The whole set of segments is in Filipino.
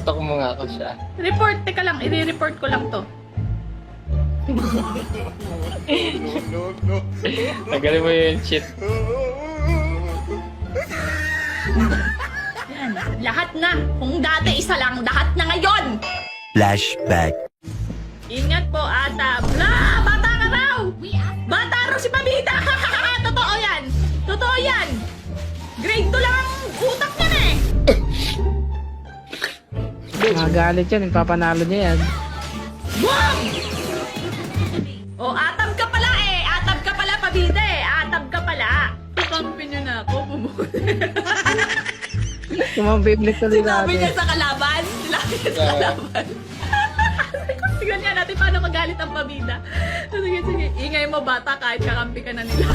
I-stalk mo nga ako siya. Report, teka lang, i-report ko lang to. Tagalin mo yung cheat. Yan, lahat na. Kung dati isa lang, lahat na ngayon. Flashback. Ingat po, ata. Bla! Bata ka raw! Bata raw si Pabida! Totoo yan! Totoo yan! Grade 2 lang ang utak niyan eh! Magalit yan, ipapanalo niya yan. Boom! O, atab ka pala eh! Atab ka pala, Pabida eh! Atab ka pala! Kakampi niyo na ako, bumuli. Kumambiblik tuloy Sinabi niya natin. sa kalaban. Sinabi niya sa kalaban. Tignan niya natin paano magalit ang Pabida. Sige, sige. Ingay mo bata kahit kakampi ka na nila.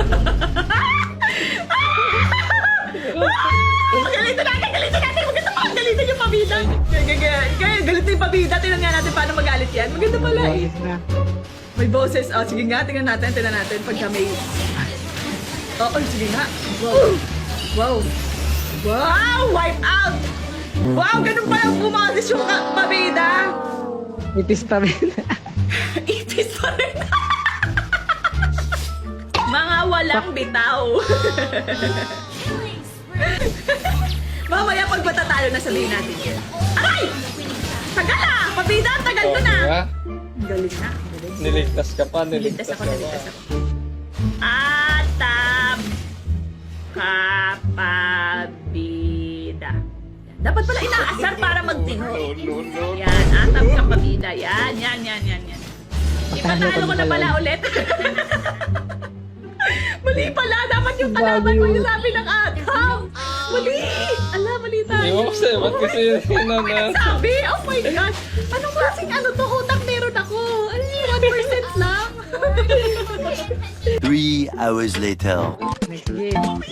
Galitin natin! Galitin natin! Maganda pa! Galitin yung Pabida! Galitin yung Pabida. Tingnan nga natin paano magalit yan. Maganda pala eh. Boses na. May boses. Oh, sige nga. Tingnan natin. Tingnan natin. Pagka may... Oh, sige nga. Wow. Wow. Wow! Wipe out! Wow! Ganun pala ang bumoses yung Pabida! Itis pa rin. Ipis pa rin. Mga walang bitaw. Mamaya pag matatalo na sabihin natin yan. Aray! Tagal ah! Pabida, tagal ko na! Diba? Galing na. Galing. Niligtas ka pa, Niligtas niligtas ako, ka niligtas pa. ako. Atab kapabida. Dapat pala inaasar para magtino. Yan, atab kapabida. Yan, yan, yan, yan, yan. Ipatalo ko na pala ulit. Mali pala. Dapat yung kalaban mo yung sabi ng atab. Mali. Ala, mali tayo. Hindi mo kasi, ba't kasi yun na? Sabi? Oh my God. Anong klaseng ano to? Utak meron ako. Ano yung 1% lang? 3 hours later. Next game.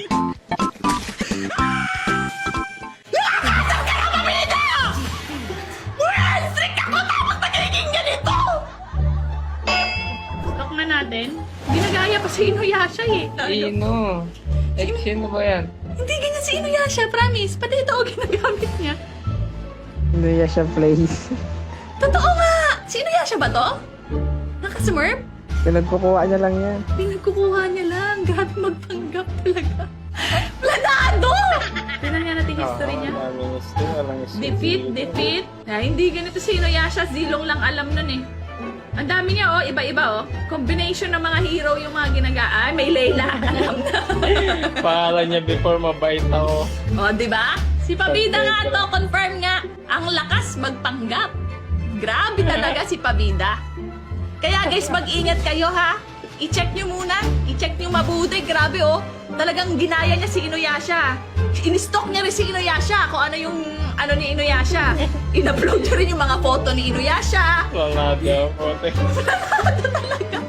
Lock na natin. Ginagaya pa si Inuyasha eh. Sino? Sino ba yan? Hindi ganyan si Inuyasha, promise. Pati ito o ginagamit niya. Hindi niya siya place. Totoo nga! Si Inuyasha ba to? Nakasmurf? Pinagkukuha niya lang yan. Pinagkukuha niya lang. Grabe magpanggap talaga. Planado! Tingnan nga natin history niya. Defeat. Hindi ganito si Inuyasha. Zilong lang alam nun eh. Ang dami niya oh, iba-iba oh. Combination ng mga hero yung mga ginagaan. May Layla, alam na. Pangalan niya before mabait ako. Oh, di ba? Si Pabida nga to, confirm nga. Ang lakas magpanggap. Grabe talaga si Pabida. Kaya guys, mag-ingat kayo ha. I-check nyo muna. I-check nyo mabuti. Grabe oh. Talagang ginaya niya si Inuyasha. In-stalk niya rin si Inuyasha kung ano yung ano ni Inuyasha. In-upload niya rin yung mga photo ni Inuyasha. Wala daw, pote. Talaga.